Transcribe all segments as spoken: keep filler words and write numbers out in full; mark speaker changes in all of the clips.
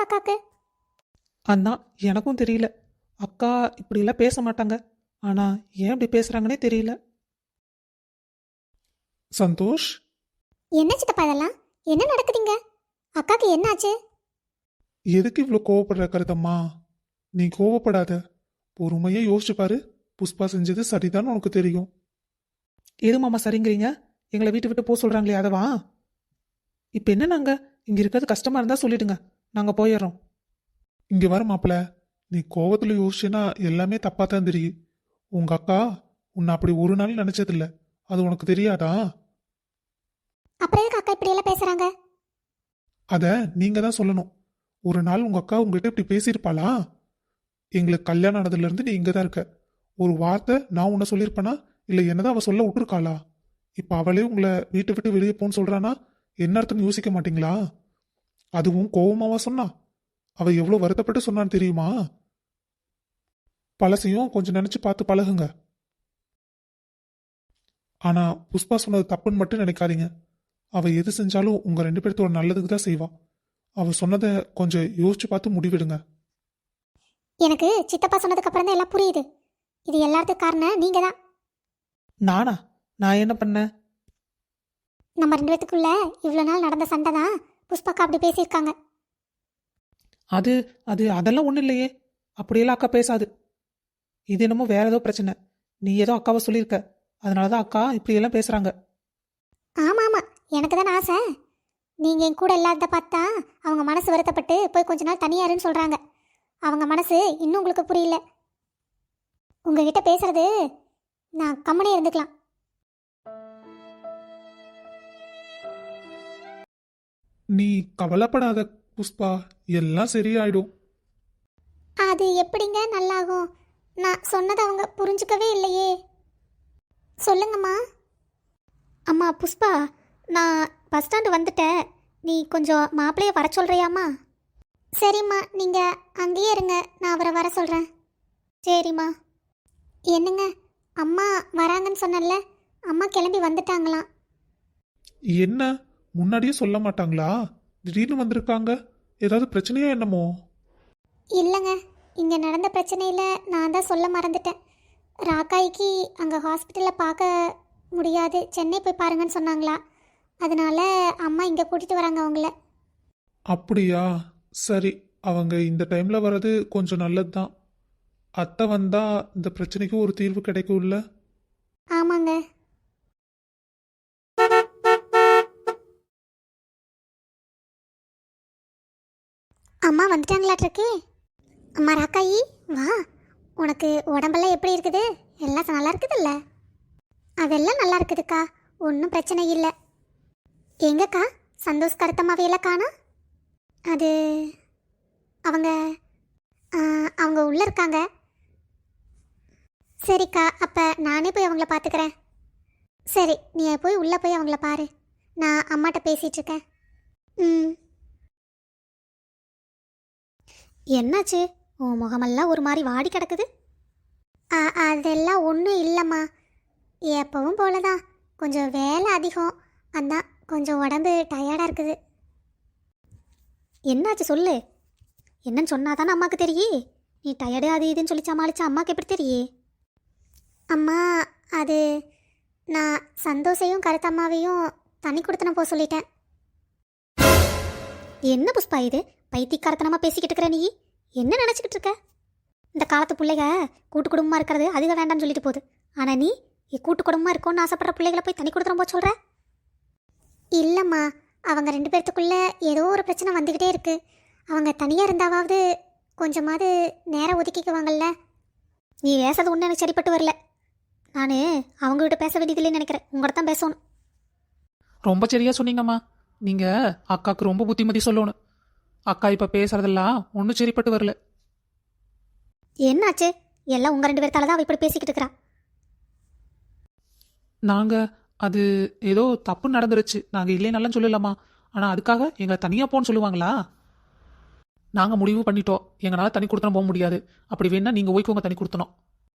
Speaker 1: அக்காக்கு?
Speaker 2: அதான் எனக்கும் தெரியல. அக்கா இப்படிலாம் பேச மாட்டாங்க, ஆனா ஏன் இப்படி பேசுறாங்கன்னே தெரியல. சந்தோஷ்,
Speaker 1: என்ன சித்தப்பா இதெல்லாம்? என்ன நடக்குதுங்க? அக்காக்கு என்னாச்சு?
Speaker 2: எதுக்கு இவ்வளோ கோவப்படுற கருத்தம்மா? நீ கோவப்படாத, பொறுமையா யோசிச்சு பாரு. புஷ்பா செஞ்சது சரிதான் உனக்கு தெரியும். எது மாமா சரிங்கிறீங்க? எங்களை வீட்டு விட்டு போக சொல்றாங்களே அதவா? இப்போ என்ன, நாங்க இங்க இருக்கிறது கஷ்டமா இருந்தா சொல்லிடுங்க, நாங்க போயிடுறோம். இங்க வர மாப்பிள, நீ கோவத்துல யோசிச்சுன்னா எல்லாமே தப்பா தான் தெரியும். உங்க அக்கா உன்னை அப்படி ஒரு நாள் நினைச்சதில்ல, அது உனக்கு தெரியாதா?
Speaker 1: அப்புறம் எதுக்கு அக்கா இப்படி எல்லாம் பேசுறாங்க?
Speaker 2: அத நீங்க தான் சொல்லணும். ஒரு நாள் உங்க அக்கா உங்ககிட்ட இப்படி பேசியிருப்பாளா? எங்களுக்கு கல்யாணம் ஆனதுல இருந்து நீ இங்க தான் இருக்க, ஒரு வார்த்தை நான் உன்னை சொல்லியிருப்பேனா? இல்ல என்னதான் அவ சொல்ல விட்டுருக்காளா? இப்ப அவளே உங்களை வீட்டை விட்டு வெளியே போன்னு சொல்றானா? என்ன அர்த்தம்னு யோசிக்க மாட்டீங்களா? அதுவும் கோவமாவா சொன்னா? அவ எவ்வளவு வருத்தப்பட்டு சொன்னான்னு தெரியுமா? பழசையும் கொஞ்சம் நினைச்சு பார்த்து பழகுங்க. ஆனா புஷ்பா சொன்னது தப்புன்னு மட்டும் நினைக்காதீங்க. அவ எது செஞ்சாலும் உங்க ரெண்டு பேர்த்தோட நல்லதுக்கு தான் செய்வா. அவ சொன்னதை கொஞ்சம் யோசிச்சு பார்த்து முடிவெடுங்க.
Speaker 1: எனக்கு சித்தப்பா சொன்னதுக்கு அப்புறம் தான் எல்லாம் புரியுது. இது எல்லாத்துக்கும் காரணம் நீங்க தான்.
Speaker 2: நானா? நான் என்ன பண்ணேன்?
Speaker 1: நம்ம ரெண்டு பேத்துக்குள்ள இவ்வளோ நாள் நடந்த சண்டை தான் புஷ்பாக்கா அப்படி பேசியிருக்காங்க.
Speaker 2: அது அது அதெல்லாம் ஒன்றும் இல்லையே, அப்படியெல்லாம் அக்கா பேசாது. இது என்னமோ வேற ஏதோ பிரச்சனை. நீ ஏதோ அக்காவை சொல்லியிருக்க, அதனாலதான் அக்கா இப்படியெல்லாம் பேசுறாங்க.
Speaker 1: ஆமா ஆமா, எனக்கு தானே ஆசை. நீங்க என் கூட இல்லாத பார்த்தா அவங்க மனசு வருத்தப்பட்டு போய் கொஞ்ச நாள் தனியாருன்னு சொல்றாங்க. அவங்க மனசு இன்னும் உங்களுக்கு புரியல. உங்ககிட்ட பேசுறது நான் கம்மனே இருந்துக்கலாம்.
Speaker 2: நீ கவலைப்படாத புஷ்பா, எல்லாம் சரியாயிடும்.
Speaker 1: அது எப்படிங்க நல்லாகும்? நான் சொன்னதை அவங்க புரிஞ்சுக்கவே இல்லையே. சொல்லுங்கம்மா. அம்மா புஷ்பா, நான் பஸ் ஸ்டாண்டு வந்துட்டேன். நீ கொஞ்சம் மாப்பிள்ளைய வர சொல்கிறியாம்மா? சரிம்மா, நீங்கள் அங்கேயே இருங்க, நான் அவரை வர சொல்கிறேன். சரிம்மா. என்னங்க, அம்மா வராங்கன்னு சொன்னல, அம்மா கிளம்பி வந்துட்டாங்களாம்.
Speaker 2: என்ன, முன்னாடியே சொல்ல மாட்டாங்களா? திடீர்னு வந்திருக்காங்க, ஏதாவது பிரச்சனையா என்னமோ?
Speaker 1: இல்லைங்க, இங்கே நடந்த பிரச்சனையில் நான் தான் சொல்ல மறந்துட்டேன். ராக்காய்க்கு அங்கே ஹாஸ்பிட்டலில் பார்க்க முடியாது, சென்னை போய் பாருங்கன்னு சொன்னாங்களா. அதனால அம்மா இங்கே கூட்டிகிட்டு வராங்க அவங்கள.
Speaker 2: அப்படியா? சரி, அவங்க இந்த டைம்ல வர்றது கொஞ்சம் நல்லது தான். அத்தை வந்தா இந்த பிரச்சனைக்கு ஒரு தீர்வு கிடைக்கும்ல?
Speaker 1: ஆமாங்க. அம்மா வந்துட்டாங்களாட்டிருக்கு. அம்மா ராக்காயி வா. உனக்கு உடம்பெல்லாம் எப்படி இருக்குது? எல்லாம் நல்லா இருக்குதுல்ல? அதெல்லாம் நல்லா இருக்குதுக்கா, ஒன்றும் பிரச்சனை இல்லை. எங்கக்கா சந்தோஷ் கருத்தம்மாவையெல்லாம் காணா? அது அவங்க அவங்க உள்ளே இருக்காங்க. சரிக்கா, அப்போ நானே போய் அவங்கள பார்த்துக்கிறேன். சரி, நீ போய் உள்ளே போய் அவங்கள பாரு, நான் அம்மாட்ட பேசிகிட்டு இருக்கேன். ம். என்னாச்சு? உன் முகமெல்லாம் ஒரு மாதிரி வாடி கிடக்குது. அதெல்லாம் ஒன்றும் இல்லைம்மா, எப்பவும் போல தான், கொஞ்சம் வேலை அதிகம், அதான் கொஞ்சம் உடம்பு டயர்டாக இருக்குது. என்னாச்சு சொல்லு. என்னன்னு சொன்னாதானே அம்மாவுக்கு தெரியே. நீ டயர்டு அது இதுன்னு சொல்லி சமாளிச்சா அம்மாவுக்கு எப்படி தெரியே? அம்மா, அது நான் சந்தோஷையும் கருத்தம்மாவையும் தண்ணி கொடுத்தன போக சொல்லிட்டேன். என்ன புஷ்பா இது? பைத்தியக்காரத்தனமாக பேசிக்கிட்டு இருக்கிற நீ? என்ன நினச்சிக்கிட்டு இருக்க? இந்த காலத்து பிள்ளைக கூட்டு குடும்பமாக இருக்கிறது அதிக வேண்டாம்னு சொல்லிட்டு போகுது. ஆனால் நீ கூட்டு குடும்பமாக இருக்கும்னு ஆசைப்படுற பிள்ளைகளை போய் தண்ணி கொடுத்துற போக சொல்கிற? இல்லைம்மா, அவங்க ரெண்டு பேர்த்துக்குள்ளே ஏதோ ஒரு பிரச்சனை வந்துக்கிட்டே இருக்குது. அவங்க தனியாக இருந்தாவது கொஞ்சமாவது நேரம் ஒதுக்கிக்குவாங்கல்ல. நீ பேசுறது ஒன்றும் எனக்கு சரிப்பட்டு வரல. நான் அவங்ககிட்ட பேச வேண்டியதில்லைன்னு நினைக்கிறேன், உங்கள்கிட்ட தான் பேசணும்.
Speaker 2: ரொம்ப சரியா சொன்னீங்கம்மா. நீங்க அக்காவுக்கு ரொம்ப புத்திமதி சொல்லணும். அக்கா இப்ப பேசுறதெல்லாம் ஒன்றும் சரிப்பட்டு வரல.
Speaker 1: என்னாச்சு? எல்லாம் உங்கள் ரெண்டு பேர்த்தால தான் அவ இப்படி பேசிக்கிட்டு இருக்கிறா.
Speaker 2: நாங்க அது ஏதோ தப்பு நடந்துருச்சு, நாங்க இல்லைனாலும் சொல்லலாமா? ஆனா அதுக்காக எங்களை தனியா போன்னு சொல்லுவாங்களா? நாங்க முடிவு பண்ணிட்டோம், எங்களால தனி கொடுத்தனும் போக முடியாது. அப்படி வேணா நீங்க ஓய்க்கோங்க, தனி கொடுத்தனும்.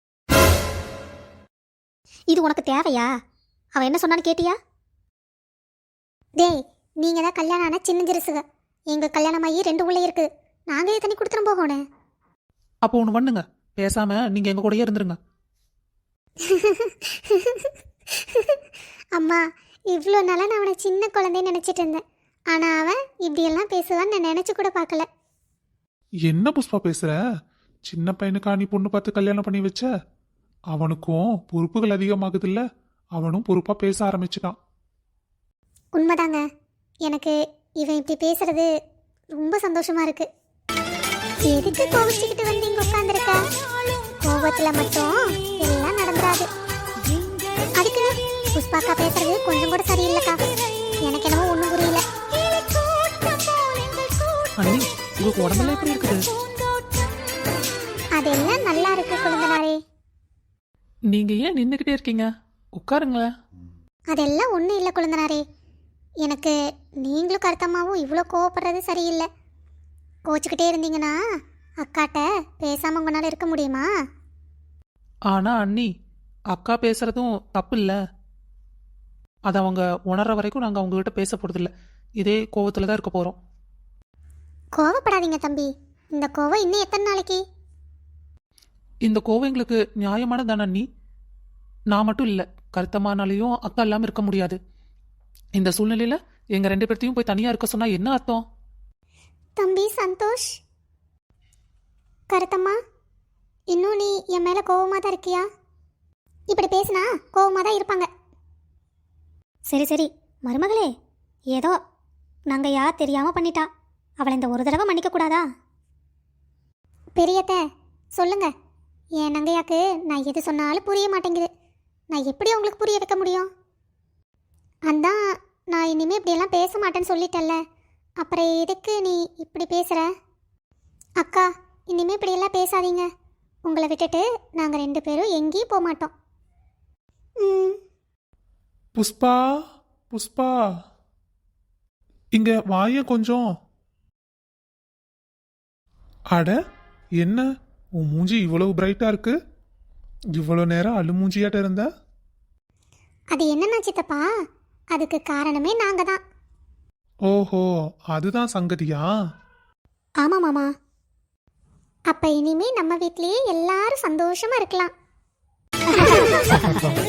Speaker 1: இது உனக்கு தேவையா? அவன் என்ன சொன்னான்னு கேட்டியா? டேய், நீங்கள் தான் கல்யாணம் ஆன சின்ன ஜிருசுக. எங்கள் கல்யாணமாகி ரெண்டு உள்ளே இருக்குது. நாங்கள் தண்ணி கொடுத்துரும் போகணும்.
Speaker 2: அப்போ ஒன்று பண்ணுங்க, பேசாம நீங்க எங்க கூடயே இருந்துருங்க.
Speaker 1: அம்மா, இவ்வளோ நாளாக நான் அவனை சின்ன குழந்தைன்னு நினச்சிட்டு இருந்தேன். ஆனால் அவன் இப்படியெல்லாம் பேசுவான்னு நான் நினச்சி கூட பார்க்கல.
Speaker 2: என்ன புஷ்பா பேசுற? சின்ன பையனுக்கா நீ பொண்ணு பார்த்து கல்யாணம் பண்ணி வச்ச? அவனுக்கும் பொறுப்புகள் அதிகமாகுதுல்ல, அவனும் பொறுப்பா பேச ஆரம்பிச்சுட்டான்.
Speaker 1: உண்மைதாங்க. எனக்கு இவன் இப்படி பேசுறது ரொம்ப சந்தோஷமா இருக்கு. எதுக்கு கோவிச்சுக்கிட்டு வந்து இங்க உட்காந்துருக்க? கோபத்தில் மட்டும் எல்லாம் நடந்துராது. அதுக்கு புஷ்பாக்கா பேசுறது கொஞ்சம் கூட சரியில்லைக்கா. எனக்கு என்னவோ ஒன்றும் புரியல.
Speaker 2: அண்ணி, உங்களுக்கு உடம்பெல்லாம் எப்படி இருக்குது?
Speaker 1: அதெல்லாம் நல்லா இருக்கு குழந்தனாரே.
Speaker 2: நீங்க ஏன் நின்றுக்கிட்டே இருக்கீங்க? உட்காருங்களேன்.
Speaker 1: அதெல்லாம் ஒன்றும் இல்லை குழந்தனாரே. எனக்கு நீங்களும் கருத்தம்மாவும் இவ்வளோ கோவப்படுறது சரியில்லை. கோச்சிக்கிட்டே இருந்தீங்கன்னா அக்காட்ட பேசாமல் உங்களால் இருக்க முடியுமா?
Speaker 2: ஆனா அண்ணி, அக்கா பேசுறதும் தப்பு இல்லை. அதை அவங்க உணர்ற வரைக்கும் நாங்கள் அவங்ககிட்ட பேச போறதில்ல. இதே கோவத்துல தான் இருக்க போறோம்.
Speaker 1: கோவப்படாதீங்க தம்பி. இந்த கோவம் இன்னும் எத்தனை நாளைக்கு?
Speaker 2: இந்த கோவம் எங்களுக்கு நியாயமானதான அண்ணி? நான் மட்டும் இல்லை, கருத்தம்மானாலையும் அக்கா இல்லாமல் இருக்க முடியாது. இந்த சூழ்நிலையில எங்க ரெண்டு பேர்த்தையும் போய் தனியா இருக்க சொன்னா என்ன அர்த்தம்?
Speaker 1: தம்பி சந்தோஷ், கருத்தம்மா, இன்னும் நீ என் மேலே கோவமாக தான் இருக்கியா? இப்படி பேசினா கோவமாக தான் இருப்பாங்க. சரி சரி மருமகளே, ஏதோ நாங்கள் யார் தெரியாமல் பண்ணிட்டா. அவளை இந்த ஒரு தடவை மன்னிக்க கூடாதா? பெரியத்த சொல்லுங்க. என் நங்கையாக்கு நான் எது சொன்னாலும் புரிய மாட்டேங்குது. நான் எப்படி உங்களுக்கு புரிய வைக்க முடியும்? அதான் நான் இனிமேல் இப்படியெல்லாம் பேச மாட்டேன்னு சொல்லிட்டல்ல, அப்புறம் எதுக்கு நீ இப்படி பேசுகிற? அக்கா, இனிமேல் இப்படியெல்லாம் பேசாதீங்க. உங்களை விட்டுட்டு நாங்கள் ரெண்டு பேரும் எங்கேயும் போக மாட்டோம். ம்.
Speaker 2: புஷ்பா, புஷ்பா, இங்க வாய கொஞ்சம். அட, என்ன உன் மூஞ்சி இவ்வளவு பிரைட்டா இருக்கு? இவ்வளோ நேரம் அழுமூஞ்சியாட்ட இருந்த?
Speaker 1: அது என்னன்னா சித்தப்பா, அதுக்கு காரணமே நாங்கள் தான்.
Speaker 2: ஓஹோ, அதுதான் சங்கதியா?
Speaker 1: ஆமாம் மாமா. அப்போ இனிமே நம்ம வீட்லேயே எல்லாரும் சந்தோஷமா இருக்கலாம்.